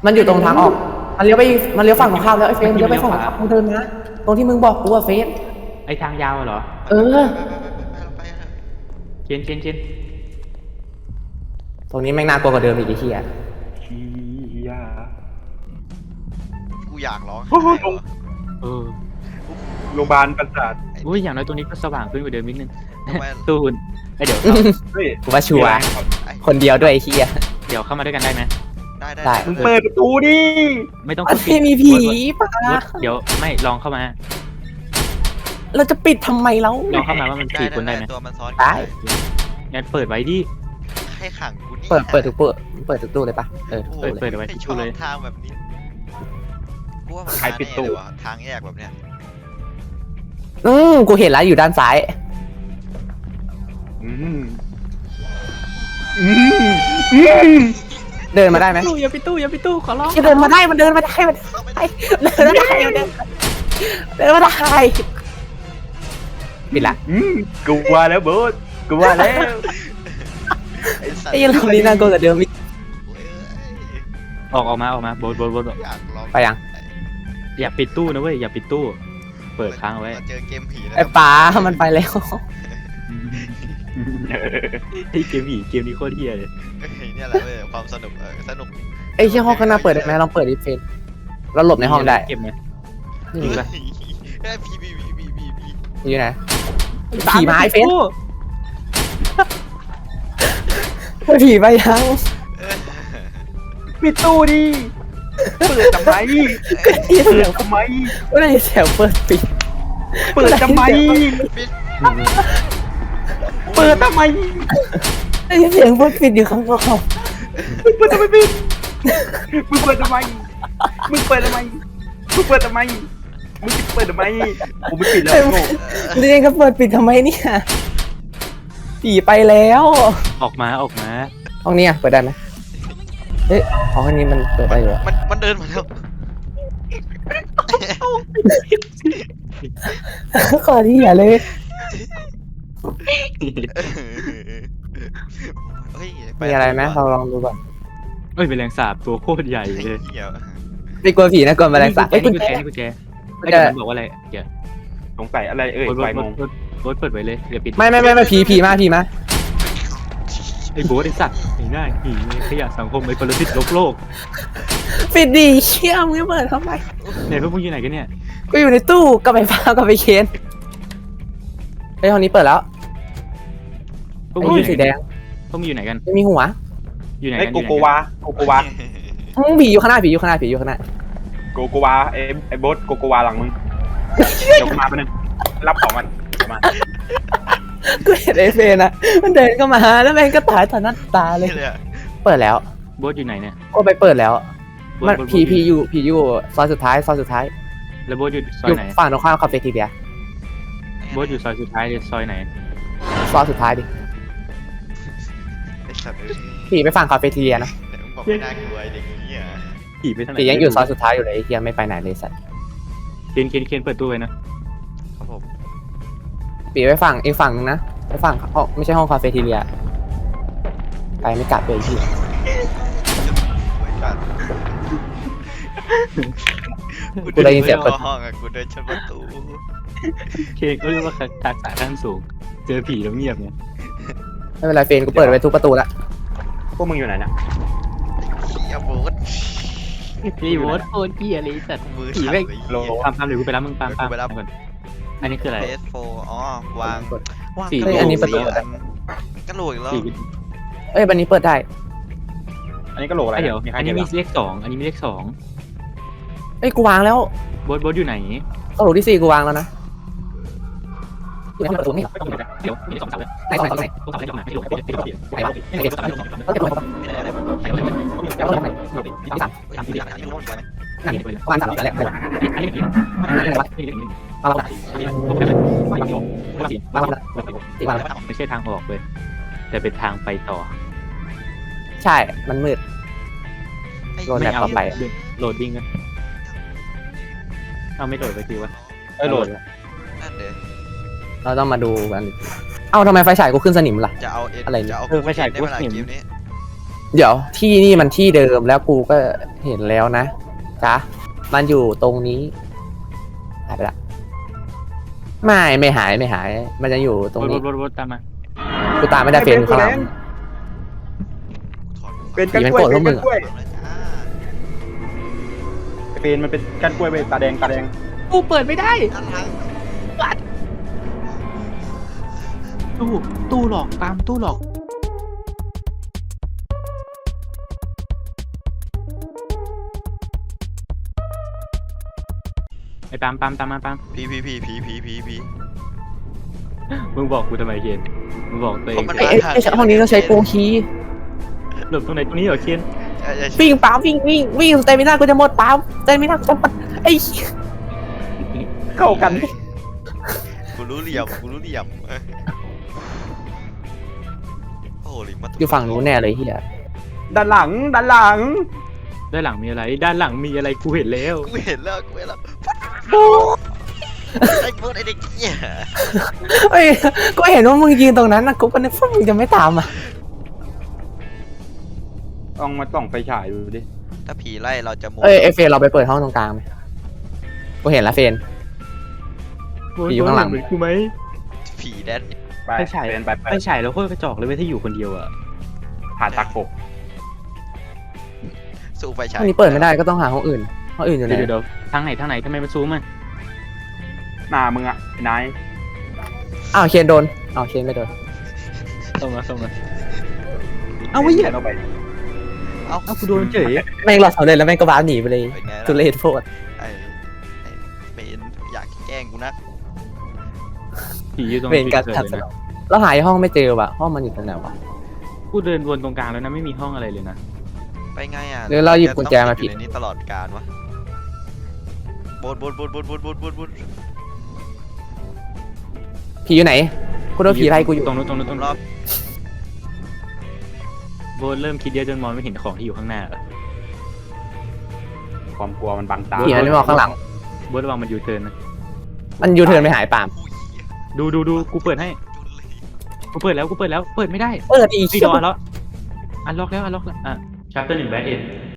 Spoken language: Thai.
มันอยู่ตรงทางออกมันเลี้ยวไปมันเลี้ยวฝั่งของข้ามแล้วไอ้เฟสเลี้ยวไปฝั่งของข้ามมึงเดินนะตรงที่มึงบอกกูอะเฟสไอทางยาวเหรอเออไปเคนตรงนี้แม่งน่ากลัวกว่าเดิมอีกไอ้เหี้ยชี้ยากูอยากร้องโอ้โหเออโรงพยาบาลประสาทอุ้ยอย่างน้อยตรงนี้ก็สว่างขึ้นกว่าเดิมนิดนึงทำไมตูนเดี๋ยวเฮ้ยกูว่าชัวร์คนเดียวด้วยไอ้เหี้ยเดี๋ยวเข้ามาด้วยกันได้ไหมได้มึงเปิดประตูดิไม่ต้องมันไม่มีผีปะเดี๋ยวไม่ลองเข้ามาเราจะปิดทำไมแล้วลองเข้ามาว่ามัน4 คนได้ไหมตัวมันซ้อนได้งั้นเปิดไว้ดิให้ขังกูนี่เปิดทุกตู้เลยปะทุกตู้เลยเปิดไว้ไม่ทุกชตู้อบเลยทางแบบนี้กูว่ามันมาแน่เลยวะทางแยกแบบเนี้ยกูเห็นแล้วอยู่ด้านซ้ายอืมอืมอืมเดินมาได้ไหมอย่าไปตู้ขอร้องเดินมาได้มันเดินมาได้มันเข้าไม่เดิได้นมาได้มันเดินมาได้ปิดละอืมกูว่าแล้วโบ๊ทกูว่าแล้วสัตว์ไอ้รอบนี้น่ากลัวกว่าเดิมอีกออกมาโบทอยากลองไปยังอย่าปิดตู้นะเว้ยอย่าปิดตู้ เปิดค้างเอาไว้เจอเกมผีแล้วไอ้ป๋ามันไปแล้วไอ้เกมผีเกมนี้โคตรเฮี้ยเลยเนี่ยแหละเว้ยความสนุกสนุกไอ้เชี่ยห้องข้างหน้าเปิดได้ไหมลองเปิดดิเฟนเราหลบในห้องได้เก็บไหมนี่มีปะไอ้ผีอยู่ไหนผีมาไอ้เฟนผีไปยังปิดตู้ดิเปิดทำไมก็ได้ยินเปิเสียดงทำไมก็ได้ยินเสียงเปิดปิดเปิดทำไมเปิดทำไมได้ยินเสียงเปิดปิดอยู่ข้างนอกเปิดทำไมปิดมึงเปิดทำไมมึงเปิดทำไมมึงเปิดทำไมมึงเปิดทำไมกูไม่ปิดแล้วโง่เรียนก็เปิดปิดทำไมเนี่ยผีไปแล้วออกมาห้องนี้เปิดได้ไหมเฮ้ยห้องนี้มันเปิดได้อยู่มันเดินมาแล้วขอที่อย่าเลย มีอะไรไหมเราลองดูก่อนเอ้ยเป็นแรงสาบตัวโคตรใหญ่เลยไม่กลัวผีนะกลัวแมลงสาบไอ้ไอ้กุกุญญแจแจนี่กุญแจไอ้เดี๋ยวมันบอกว่าอะไรเดี๋ยวสงสัยอะไรโบ๊ทไฟมงเปิดไว้เลยเดี๋ยวปิดไม่ผีมาไอ้โบ๊ทไอ้สัตว์ไอ้หน้าผีขยะสังคมไอ้ปรสิตโลกปิดดีเชี่ยมึงไม่เปิดทำไมเนี่ยพวกมึงอยู่ไหนกันเนี่ยกูอยู่ในตู้กับไอ้ฟ้ากับไอ้เคนไอ้ห้องนี้เปิดแล้วพวกไอ้มึงอยู่สีไหนแดงพวกมึงอยู่ไหนกันไม่มีหัวอยู่ไหนไอ้กันโกโกวาผีอยู่ข้างหน้าผีอยู่ข้างหน้าโกโกวาไอ้โบ๊ทโกโกวาหลังมึงเดี๋ยวกูมาไปบนึงรับของมันเดี๋ยวมากูเห็นไอ้เฟนอะมันเดินเข้ามาแล้วแม่งก็ตายต่อหน้าตาเลย เปิดแล้วโบ๊ทอยู่ไหนเนี่ยก็ไปเปิดแล้วโบ๊ทมันโบ๊ทผีอยู่ซอยสุดท้ายแล้วโบ๊ทอยู่ซออย ยู่ไหนฝั่งตรงข้ามคาเฟ่ทีเดียโบ๊ทอยู่ซอยสุดท้ายเลยซอยไหนซอยสุดท้ายดิไอ้สัตว์ผีไปฝั่งคาเฟ่ทีเดียนะมึงบอกไม่น่ากลัวเด็กนี้อ่ะผีไปทางไหนผียังอยู่ซอยสุดท้ายอยู่เลยไอ้เฮียไม่ไปไหนเลยสัตว์เคนเปิดตู้ไว้นะครับผมผีไปฝั่งอีกฝั่งนึงนะไปฝั่งห้องไม่ใช่ห้องคาเฟ่ทีเดียไปไม่กลับเลยพี่ กูได้ยินเสียงเปิดห้องอ่ะกูเดินชนประตูเคนก็เรียกว่าทักษะขั้นสูง เจอผีแล้วเงียบเนี่ยไม่เป็นไรเฟนกูเปิดไว้ทุกประตูละพวกมึงอยู่ไหนนะเฮียโบ๊ทพี่โบ๊ทโคตรเหี้ยเลยสัตว์มือผีสั่นแม่งเลยโลตามเดี๋ยวกูไปรับมึงตามก่อนอันนี้คืออะไรเฟสโฟอ๋อวางสี่กระโหลอันนี้กประตูกระโหลกอีกแล้วผีเอ้ยบันนี้เปิดได้อันนี้ก็โหลอะไรเดี๋ยวมีใครอันเห็นี้นมีเลข2อันนี้มีเลข2 เอ้ยกูวางแล้วโบ๊ทอยู่ไหนกระโหลกที่4กูวางแล้วนะอยู่ในประตูนี่เดี๋ยวมี2เสาเลยไหนสองไหน 2เสาไม่ลงไม่ลงไม่ลงไหนวะไหนเก็บแล้วเก็บลงแล้วลงไหนที่สามไม่รู้เหมือนกันนั่นวางสามแล้วแหละนั่นวะวางแล้ววางแล้วตีวางแล้วไม่ใช่ทางออกเลยแต่เป็นทางไปต่อใช่มันมืด โดน แบบต่อไปโหลดดิ้งกันเอาไม่โหลดไปทีวะโหลดนั่นเด้เราต้องมาดูกันเอ้าทำไมไฟฉายกูขึ้นสนิมล่ะจะเอาเอ็นอะไรเนี่ยจะเอาไม่ใช่กูเกมนี้เดี๋ยวที่นี่มันที่เดิมแล้วกูก็เห็นแล้วนะจ๊ะมันอยู่ตรงนี้หายไปละไม่หายมันจะอยู่ตรงนี้รถตามมากูตามไม่ได้เฟรนข้างหลังเป็นกันกล้วยเป็นกันกล้วยฟังเลยจ้าเป็นมันเป็นกันกล้วยเว้ยตาแดงกูเปิดไม่ได้ด้านหลังตู้หลอกตามตู้หลอกไอ้ปามตามมาปามผีมึงบอกกูทำไมเคนมึงบอกตัวเองไอ้ห้องนี้ต้องใช้โปรคีย์หลบตรงไหนตรงนี้เหรอเคนใช่วิ่งปั๊มวิ่งเตมิน่ากูจะหมดปั๊มเตมิน่ากูจะหมดไอ้ๆเข้ากันกูรู้เหลี่ยมโอ้โหลิมมาอยู่ฝั่งนู้นแน่เลยเฮียด้านหลังด้านหลังมีอะไรด้านหลังมีอะไรกูเห็นแล้วกูเห็นแล้วไอ้โบสไอ้เด็กเหี้ยเอ้ยก็เห็นว่ามึงยืนตรงนั้นนะกูก็นึกว่ามึงจะไม่ตามอ่ะลองมาส่องไฟฉายดูดิถ้าผีไล่เราจะโมเอ้ยไอเฟรนเราไปเปิดห้องตรงกลางไหมกูเห็นแล้วเฟรน อยู่ข้างหลังเหมือนกูไหมผีแดนไปไปฉายเป็นไปไปฉายแล้วโคตรกระจอกเลยเว้ยถ้าอยู่คนเดียวอะผ่านตะกบสู้ไฟฉายห้องนี้เปิดไม่ได้ก็ต้องหาห้องอื่นอยู่ไหนเดี๋ยวทางไหนทำไมมันซูมอ่ะหน้ามึงอ่ะไอ้นายอ้าวเคนโดนอ้าวเคนไม่โดนส่งมาเอาไว้เหี้ยเอาไปเอากูโดนเฉยแม่งรอดสำเร็จแล้วแม่งก็บ้าหนีไปเลยเป็นไงทุล่ะเรศโพดไอ้เป็นอยากแกล้งกูนะผีอยู่ตรงเป็นการที่ขัดเกิสดนเลยอนะงเราหายห้องไม่เจอว่ะห้องมันอยู่ตรงไหนวะกูเดินวนตรงกลางแล้วนะไม่มีห้องอะไรเลยนะไปไงอ่ะหรือเราหยิบกุญแจมาผิดอยู่ในนี้ตลอดกาลวะบนผีอยู่ไหนกูโดนผีไล่กูอยู่ตรงนู้นรอบโบนเริ่มคิดเยอะจนมองไม่เห็นของที่อยู่ข้างหน้าอะความกลัวมันบังตาผีมันไม่มองข้างหลังโบนระวังมันยูเทิร์นนะมันยูเทิร์นไม่หายปามดูกูเปิดให้กูเปิดแล้วเปิดไม่ได้เปิดอีกพี่ดอนแล้วอันล็อกแล้วอ่ะ chapter 1 bad end